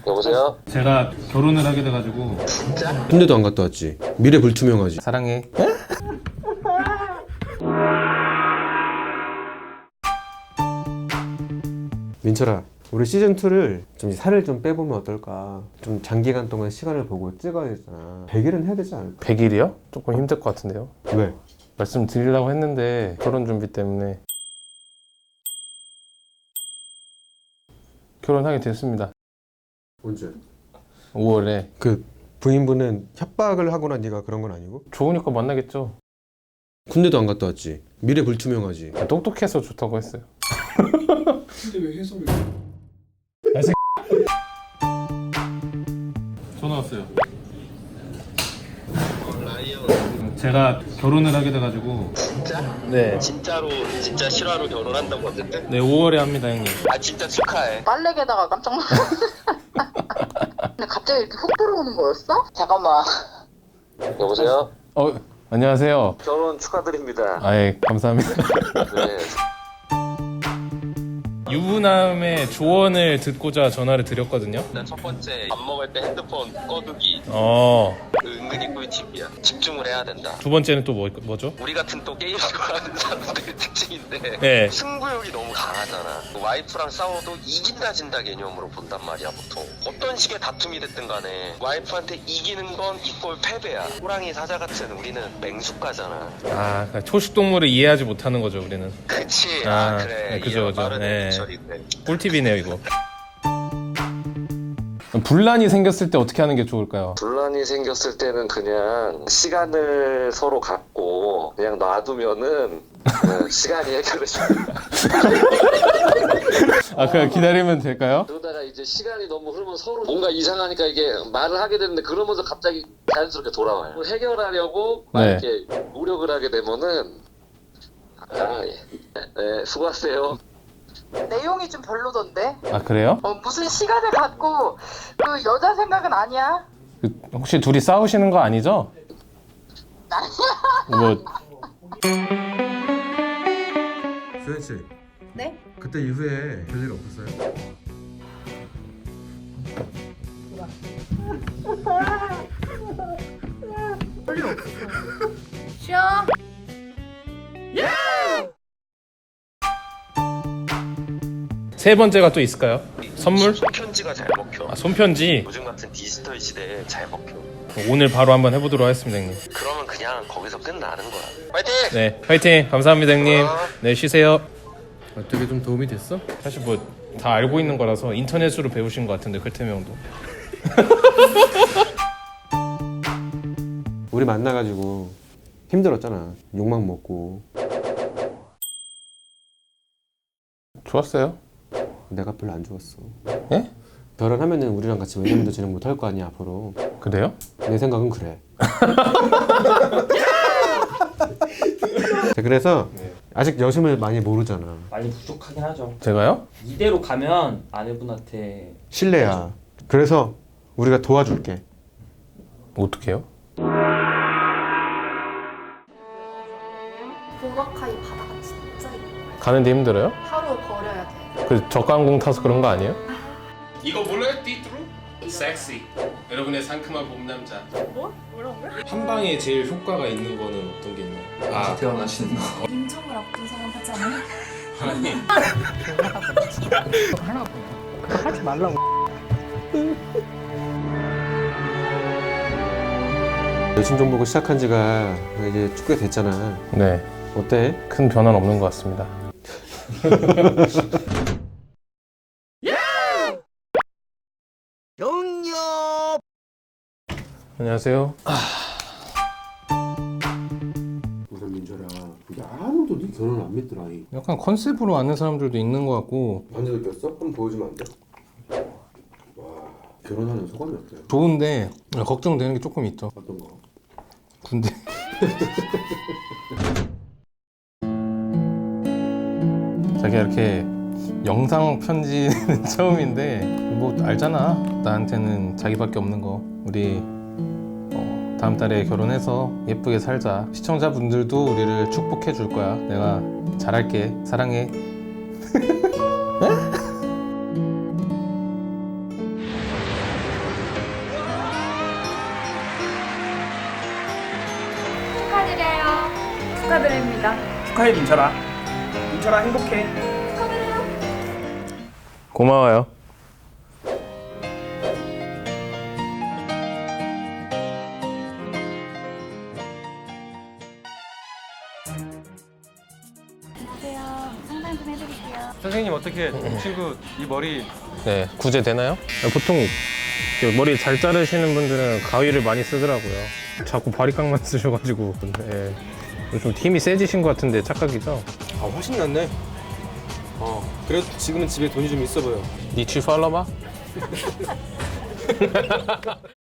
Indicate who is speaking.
Speaker 1: 여보세요?
Speaker 2: 제가 결혼을 하게 돼가지고.
Speaker 3: 군대도 안 갔다 왔지. 미래 불투명하지.
Speaker 2: 사랑해.
Speaker 3: 민철아, 우리 시즌2를 좀 살을 좀 빼보면 어떨까? 좀 장기간 동안 시간을 보고 찍어야 되잖아. 100일은 해야 되지 않을까?
Speaker 2: 100일이요? 조금 힘들 것 같은데요.
Speaker 3: 왜?
Speaker 2: 말씀드리려고 했는데 결혼 준비 때문에 결혼하게 됐습니다.
Speaker 3: 언제?
Speaker 2: 5월에.
Speaker 3: 그 부인분은 협박을 하거나 네가 그런 건 아니고?
Speaker 2: 좋으니까 만나겠죠.
Speaker 3: 군대도 안 갔다 왔지. 미래 불투명하지.
Speaker 2: 똑똑해서 좋다고 했어요.
Speaker 4: 근데 왜 해석을?
Speaker 2: 전화 왔어요. 제가 결혼을 하게 돼가지고. 네.
Speaker 1: 진짜 실화로 결혼한다고 하던데?
Speaker 2: 네, 5월에 합니다, 형님.
Speaker 1: 아 진짜 축하해.
Speaker 5: 빨래개다가 깜짝 놀랐어. 근데 갑자기 이렇게 훅 들어오는 거였어? 잠깐만.
Speaker 1: 여보세요?
Speaker 2: 안녕하세요.
Speaker 1: 결혼 축하드립니다.
Speaker 2: 아예 감사합니다.
Speaker 1: 네.
Speaker 2: 유부남의 조언을 듣고자 전화를 드렸거든요.
Speaker 1: 일단 첫 번째 밥 먹을 때 핸드폰 꺼두기. 은근히 꿀팁이야. 집중을 해야 된다.
Speaker 2: 두 번째는 또 뭐죠?
Speaker 1: 우리 같은 또 게임 좋아하는 사람들의 특징인데
Speaker 2: 네.
Speaker 1: 승부욕이 너무 강하잖아. 와이프랑 싸워도 이긴다 진다 개념으로 본단 말이야 보통. 어떤 식의 다툼이 됐든 간에 와이프한테 이기는 건 이꼴 패배야. 호랑이 사자 같은 우리는 맹수가잖아.
Speaker 2: 그러니까 초식 동물을 이해하지 못하는 거죠, 우리는.
Speaker 1: 그치. 그래.
Speaker 2: 네, 그죠.
Speaker 1: 빠르네.
Speaker 2: 네.
Speaker 1: 철이 그래.
Speaker 2: 꿀팁이네요, 이거. 분란이 생겼을 때 어떻게 하는 게 좋을까요?
Speaker 1: 분란이 생겼을 때는 그냥 시간을 서로 갖고 그냥 놔두면은 시간이 해결해줘.
Speaker 2: 그냥 기다리면 될까요?
Speaker 1: 그러다가 이제 시간이 너무 흐르면 서로 뭔가 이상하니까 이게 말을 하게 되는데 그러면서 갑자기 자연스럽게 돌아와요. 해결하려고 막
Speaker 2: 네.
Speaker 1: 이렇게 노력을 하게 되면은 네, 수고하세요.
Speaker 5: 내용이 좀 별로던데?
Speaker 2: 그래요?
Speaker 5: 무슨 시간을 갖고 그 여자 생각은 아니야?
Speaker 2: 혹시 둘이 싸우시는 거 아니죠? 뭐
Speaker 3: 수현 씨.
Speaker 5: 네?
Speaker 3: 그때 이후에 별일 없었어요?
Speaker 5: 쉬어.
Speaker 2: 세 번째가 또 있을까요? 선물?
Speaker 1: 손편지가 잘 먹혀.
Speaker 2: 손편지.
Speaker 1: 요즘 같은 디지털 시대에 잘 먹혀.
Speaker 2: 오늘 바로 한번 해보도록 하겠습니다, 형님.
Speaker 1: 그러면 그냥 거기서 끝나는 거야. 파이팅!
Speaker 2: 네, 화이팅! 감사합니다, 형님. 네, 쉬세요.
Speaker 3: 되게 좀 도움이 됐어?
Speaker 2: 사실 뭐 다 알고 있는 거라서 인터넷으로 배우신 것 같은데, 클템 형도.
Speaker 3: 우리 만나가지고 힘들었잖아. 욕만 먹고.
Speaker 2: 좋았어요?
Speaker 3: 내가 별로 안 좋았어.
Speaker 2: 예?
Speaker 3: 결혼하면은 우리랑 같이 외년도 진행 못 할 거 아니야 앞으로.
Speaker 2: 그래요?
Speaker 3: 내 생각은 그래. 그래서 아직 여심을 많이 모르잖아.
Speaker 4: 많이 부족하긴 하죠.
Speaker 2: 제가요?
Speaker 4: 이대로 가면 아내분한테
Speaker 3: 실례야. 그래서 우리가 도와줄게.
Speaker 2: 어떻게 해요?
Speaker 6: 보라카이 바다가 진짜 이뻐요.
Speaker 2: 가는데 힘들어요?
Speaker 6: 하루 버려야 돼.
Speaker 2: 그 저가항공 타서 그런 거 아니에요? 이거 몰라요? 띠뚜루? 섹시. 여러분의 상큼한 봄 남자.
Speaker 6: 뭐? 뭐라고요?
Speaker 2: 한 방에 제일 효과가 있는 거는 어떤 게 있나요?
Speaker 4: 태어나시는 거.
Speaker 6: 임종을 앞둔 사람 하지 않아요?
Speaker 2: 아니.
Speaker 3: 여심 좀 보고 시작한 지가 이제 꽤 됐잖아.
Speaker 2: 네.
Speaker 3: 어때?
Speaker 2: 큰 변화는 없는 것 같습니다. 안녕하세요.
Speaker 3: 우선 민철아, 우리 아무도 네 결혼 안 믿더라.
Speaker 2: 약간 컨셉으로 아는 사람들도 있는 것 같고
Speaker 3: 언제 느꼈어? 한번 보여주면 안 돼? 와, 결혼하는 소감이 어때요?
Speaker 2: 좋은데 걱정되는 게 조금 있죠.
Speaker 3: 어떤 거?
Speaker 2: 군대. 자기가 이렇게 영상 편지는 처음인데 뭐 알잖아. 나한테는 자기밖에 없는 거. 우리 다음 달에 결혼해서 예쁘게 살자. 시청자분들도 우리를 축복해 줄 거야. 내가 잘할게. 사랑해.
Speaker 6: 축하드립니다.
Speaker 4: 축하해 민철아. 민철아 행복해.
Speaker 2: 고마워요.
Speaker 6: 안녕하세요. 상담 좀 해드릴게요.
Speaker 3: 선생님 어떻게 친구 이 머리
Speaker 2: 네, 구제 되나요? 보통 이렇게 머리 잘 자르시는 분들은 가위를 많이 쓰더라고요. 자꾸 바리깡만 쓰셔가지고. 예. 좀 힘이 세지신 것 같은데 착각이죠?
Speaker 3: 아 훨씬 낫네. 그래도 지금은 집에 돈이 좀 있어 보여.
Speaker 2: 니치 팔로바?